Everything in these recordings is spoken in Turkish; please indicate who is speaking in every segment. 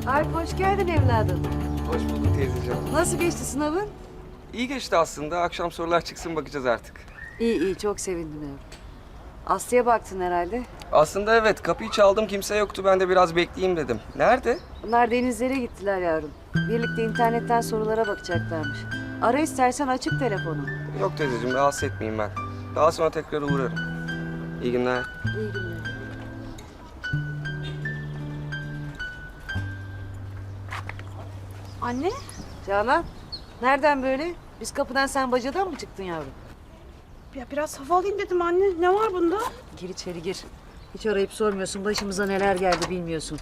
Speaker 1: Alp hoş geldin evladım.
Speaker 2: Hoş bulduk teyzeciğim.
Speaker 1: Nasıl geçti sınavın?
Speaker 2: İyi geçti aslında. Akşam sorular çıksın bakacağız artık.
Speaker 1: İyi iyi çok sevindim evladım. Aslı'ya baktın herhalde.
Speaker 2: Aslında evet kapıyı çaldım kimse yoktu. Ben de biraz bekleyeyim dedim. Nerede?
Speaker 1: Bunlar denizlere gittiler yavrum. Birlikte internetten sorulara bakacaklarmış. Ara istersen açık telefonu.
Speaker 2: Yok teyzeciğim rahatsız etmeyeyim ben. Daha sonra tekrar uğrarım. İyi günler.
Speaker 1: İyi günler.
Speaker 3: Anne?
Speaker 1: Canan nereden böyle? Biz kapıdan sen bacadan mı çıktın yavrum?
Speaker 3: Ya biraz hava alayım dedim anne. Ne var bunda?
Speaker 1: Gir içeri gir. Hiç arayıp sormuyorsun. Başımıza neler geldi bilmiyorsun.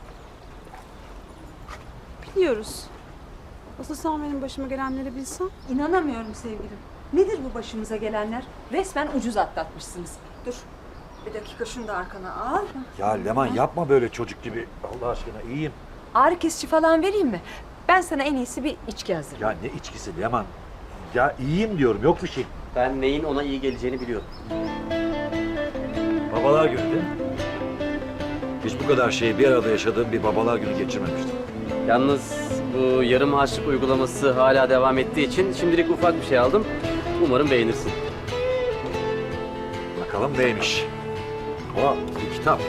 Speaker 3: Biliyoruz. Asıl sen benim başıma gelenleri bilsen.
Speaker 4: İnanamıyorum sevgilim. Nedir bu başımıza gelenler? Resmen ucuz atlatmışsınız. Dur. Bir dakika şunu da arkana al.
Speaker 5: Ya Leman yapma böyle çocuk gibi. Allah aşkına iyiyim.
Speaker 4: Ağrı kesici falan vereyim mi? Ben sana en iyisi bir içki hazırlayayım.
Speaker 5: Ya ne içkisi Leman? Ya iyiyim diyorum yok bir şey.
Speaker 6: Ben neyin ona iyi geleceğini biliyorum.
Speaker 5: Babalar günü değil mi? Hiç bu kadar şeyi bir arada yaşadığım bir babalar günü geçirmemiştim.
Speaker 6: Yalnız bu yarım harçlık uygulaması hala devam ettiği için şimdilik ufak bir şey aldım. Umarım beğenirsin.
Speaker 5: Bakalım neymiş? O bir kitap.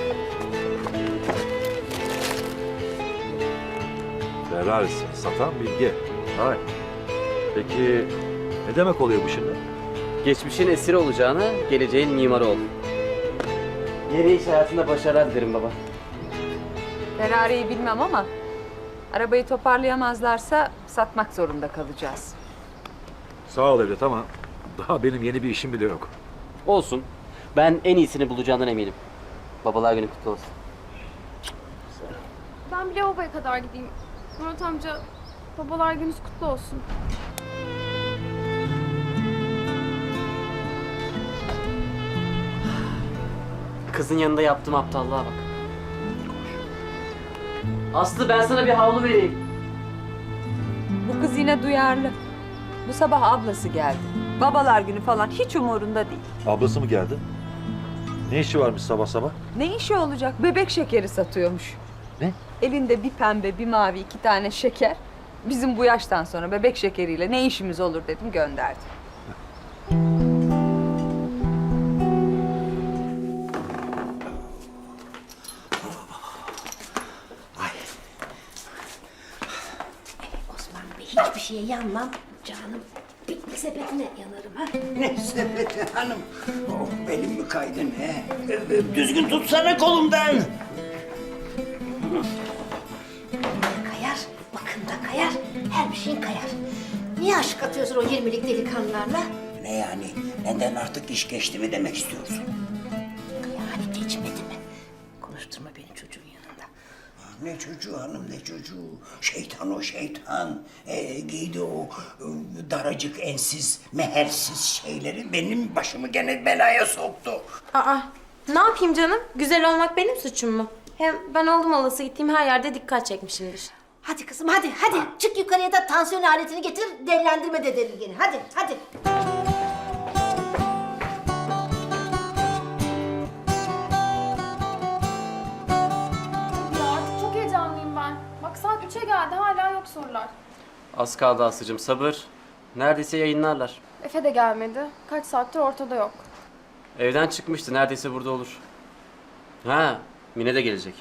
Speaker 5: Ferraris satan bilgi. Hay. Peki ne demek oluyor bu şimdi?
Speaker 6: Geçmişin esiri olacağına geleceğin mimarı ol. Yeni iş hayatında başarılar dilerim baba.
Speaker 4: Ferrari'yi bilmem ama arabayı toparlayamazlarsa satmak zorunda kalacağız.
Speaker 5: Sağ ol evlat ama daha benim yeni bir işim bile yok.
Speaker 6: Olsun. Ben en iyisini bulacağından eminim. Babalar günü kutlu olsun.
Speaker 7: Ben bir lavaboya kadar gideyim. Murat amca, babalar gününüz kutlu olsun.
Speaker 6: Kızın yanında yaptığım aptallığa bak. Aslı ben sana bir havlu vereyim.
Speaker 4: Bu kız yine duyarlı. Bu sabah ablası geldi. Babalar günü falan hiç umurunda değil.
Speaker 5: Ablası mı geldi? Ne işi varmış sabah sabah?
Speaker 4: Ne işi olacak? Bebek şekeri satıyormuş.
Speaker 5: Ne?
Speaker 4: Elinde bir pembe, bir mavi, 2 tane şeker. Bizim bu yaştan sonra bebek şekeriyle ne işimiz olur dedim gönderdim.
Speaker 8: Osman Bey hiçbir şeye yanmam canım. Piknik sepetine yanarım ha.
Speaker 9: Ne sepeti hanım? Oh, belim mi kaydın he? Düzgün tutsana kolumdan.
Speaker 8: Kayar, bakın da kayar, her bir şeyin kayar. Niye aşık atıyorsun o 20'lik delikanlılarla?
Speaker 9: Ne yani? Neden artık iş geçti mi demek istiyorsun?
Speaker 8: Yani geçmedi mi? Konuşturma beni çocuğun yanında.
Speaker 9: Ne çocuğu hanım ne çocuğu? Şeytan o şeytan. Giydi o daracık ensiz, mehersiz şeyleri benim başımı gene belaya soktu.
Speaker 10: Aa, ne yapayım canım? Güzel olmak benim suçum mu? Hem ben oldum olası gittiğim her yerde dikkat çekmişimdir.
Speaker 8: Hadi kızım hadi, çık yukarıya da tansiyon aletini getir, dellendirme de delirgeni. Hadi.
Speaker 7: Ya artık çok heyecanlıyım ben. Bak saat 3'e geldi hala yok sorular.
Speaker 6: Az kaldı Aslı'cığım sabır. Neredeyse yayınlarlar.
Speaker 7: Efe de gelmedi. Kaç saattir ortada yok.
Speaker 6: Evden çıkmıştı neredeyse burada olur. Ha Mine de gelecek.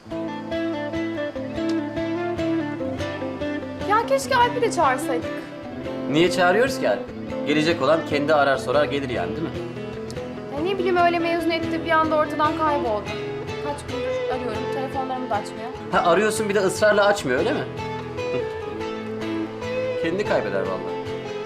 Speaker 7: Ya keşke Alp'i de çağırsaydık.
Speaker 6: Niye çağırıyoruz ki Alp? Gelecek olan kendi arar sorar gelir yani değil mi?
Speaker 7: Ya ne bileyim öyle mezun etti bir anda ortadan kayboldu. Kaç gündür arıyorum telefonlarımı da açmıyor.
Speaker 6: Ha arıyorsun bir de ısrarla açmıyor öyle mi? Kendi kaybeder vallahi.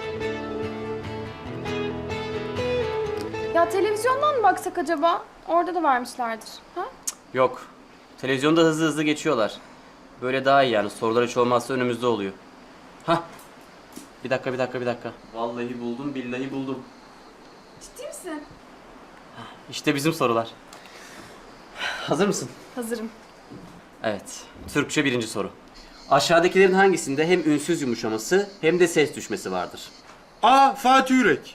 Speaker 7: Ya televizyondan mı baksak acaba? Orada da vermişlerdir. Ha?
Speaker 6: Yok. Televizyonda hızlı hızlı geçiyorlar. Böyle daha iyi yani sorular hiç olmazsa önümüzde oluyor. Hah. Bir dakika. Vallahi buldum billahi buldum.
Speaker 7: Ciddi misin?
Speaker 6: İşte bizim sorular. Hazır mısın?
Speaker 7: Hazırım.
Speaker 6: Evet. Türkçe birinci soru. Aşağıdakilerin hangisinde hem ünsüz yumuşaması hem de ses düşmesi vardır?
Speaker 11: A. Fatih Yürek.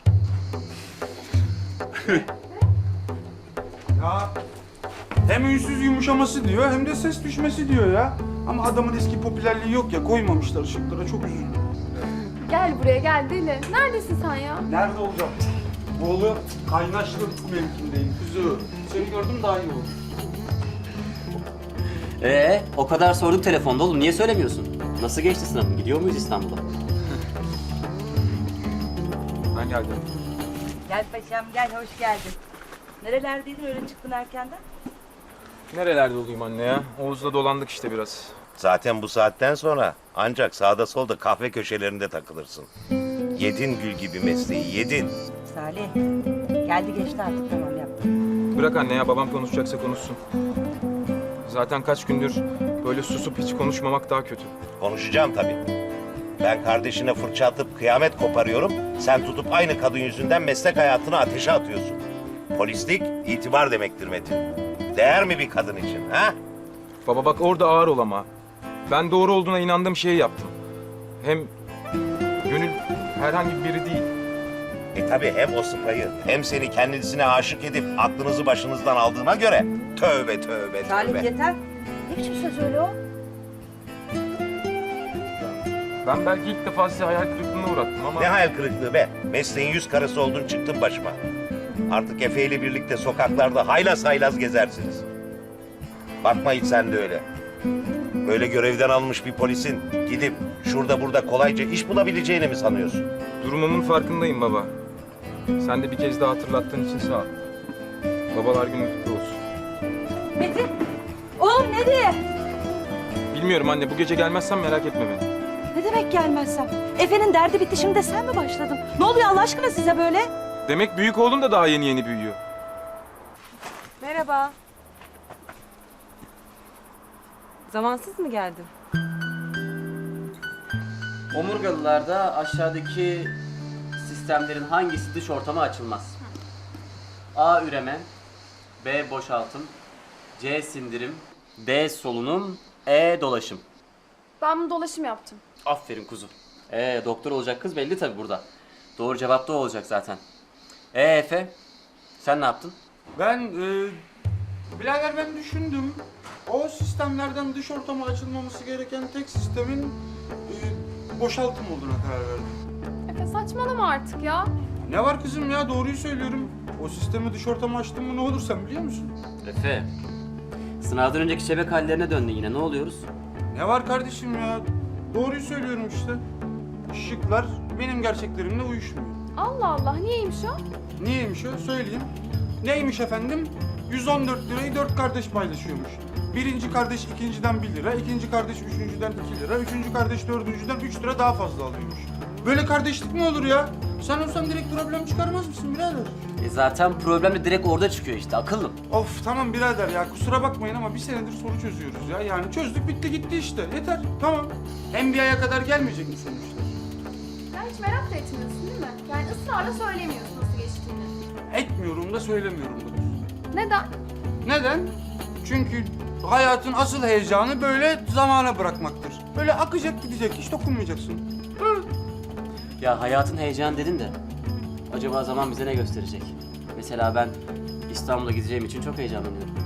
Speaker 11: Ya hem ünsüz yumuşaması diyor hem de ses düşmesi diyor ya. Ama adamın eski popülerliği yok ya, koymamışlar ışıklara, çok üzüldüm.
Speaker 7: Gel buraya gel deli. Neredesin sen ya?
Speaker 11: Nerede olacağım? Oğlu kaynaşlı mevkindeyim kuzu. Seni gördüm daha iyi oldu.
Speaker 6: O kadar sorduk telefonda oğlum. Niye söylemiyorsun? Nasıl geçti sınavın? Gidiyor muyuz İstanbul'a?
Speaker 11: Ben geldim.
Speaker 4: Gel paşam gel, hoş geldin. Nerelerdeydin öyle çıktın erkenden?
Speaker 12: Nerelerde olayım anne ya? Oğuz'la dolandık işte biraz.
Speaker 9: Zaten bu saatten sonra ancak sağda solda kahve köşelerinde takılırsın. Yedin gül gibi mesleği, yedin.
Speaker 4: Salih, geldi geçti artık, tamam yap.
Speaker 12: Bırak anne ya, babam konuşacaksa konuşsun. Zaten kaç gündür böyle susup hiç konuşmamak daha kötü.
Speaker 9: Konuşacağım tabii. Ben kardeşine fırça atıp kıyamet koparıyorum. Sen tutup aynı kadın yüzünden meslek hayatını ateşe atıyorsun. Polislik itibar demektir Metin. Değer mi bir kadın için ha?
Speaker 12: Baba bak orada ağır ol ama. Ben doğru olduğuna inandığım şeyi yaptım. Hem Gönül herhangi biri değil.
Speaker 9: Tabii hem o sıpayı hem seni kendisine aşık edip aklınızı başınızdan aldığına göre tövbe tövbe
Speaker 4: Salih
Speaker 9: tövbe.
Speaker 4: yeter. Ne biçim söz öyle o?
Speaker 12: Ben belki ilk defa size hayal kırıklığına uğrattım ama...
Speaker 9: Ne hayal kırıklığı be. Mesleğin yüz karası oldun çıktın başıma. Artık Efe ile birlikte sokaklarda haylaz haylaz gezersiniz. Bakma hiç sen de öyle. Böyle görevden almış bir polisin gidip şurada burada kolayca iş bulabileceğini mi sanıyorsun?
Speaker 12: Durumumun farkındayım baba. Sen de bir kez daha hatırlattığın için sağ ol. Babalar günün kutlu olsun.
Speaker 4: Metin, oğlum ne diye?
Speaker 12: Bilmiyorum anne, bu gece gelmezsen merak etme beni.
Speaker 4: Ne demek gelmezsem? Efe'nin derdi bitti, şimdi de sen mi başladın? Ne oluyor Allah aşkına size böyle?
Speaker 12: Demek büyük oğlum da daha yeni büyüyor.
Speaker 3: Merhaba. Zamansız mı geldin?
Speaker 6: Omurgalılarda aşağıdaki sistemlerin hangisi dış ortama açılmaz? A. Üreme, B. Boşaltım, C. Sindirim, D. Solunum, E. Dolaşım.
Speaker 7: Ben bunu dolaşım yaptım.
Speaker 6: Aferin kuzu. Doktor olacak kız belli tabii burada. Doğru cevap da o olacak zaten. Efe, sen ne yaptın?
Speaker 11: Ben, birader ben düşündüm. O sistemlerden dış ortama açılmaması gereken tek sistemin boşaltım olduğuna karar verdim.
Speaker 7: Efe saçmalama artık ya.
Speaker 11: Ne var kızım ya, doğruyu söylüyorum. O sistemi dış ortama açtım mı ne olur sen biliyor musun?
Speaker 6: Efe, sınavdan önceki şebek hallerine döndün yine. Ne oluyoruz?
Speaker 11: Ne var kardeşim ya, doğruyu söylüyorum işte. Şıklar benim gerçeklerimle uyuşmuyor.
Speaker 7: Allah Allah, niyeymiş o?
Speaker 11: Niyeymiş o? Söyleyeyim. Neymiş efendim? 114 lirayı 4 kardeş paylaşıyormuş. Birinci kardeş ikinciden 1 lira, ikinci kardeş üçüncüden 2 lira, üçüncü kardeş dördüncüden 3 lira daha fazla alıyormuş. Böyle kardeşlik mi olur ya? Sen olsan direkt problem çıkarmaz mısın birader?
Speaker 6: Zaten problem de direkt orada çıkıyor işte, akıllım.
Speaker 11: Of tamam birader ya, kusura bakmayın ama bir senedir soru çözüyoruz ya. Yani çözdük bitti gitti işte. Yeter tamam. Hem bir aya kadar gelmeyecek mi sonuçta?
Speaker 7: Sen hiç merak da etmiyorsun değil mi? Yani ısrarla söylemiyorsun nasıl geçtiğini.
Speaker 11: Etmiyorum da söylemiyorum da.
Speaker 7: Neden?
Speaker 11: Neden? Çünkü hayatın asıl heyecanı böyle zamana bırakmaktır. Böyle akacak gidecek, hiç dokunmayacaksın. Hı.
Speaker 6: Ya hayatın heyecanı dedin de, acaba zaman bize ne gösterecek? Mesela ben İstanbul'a gideceğim için çok heyecanlanıyorum.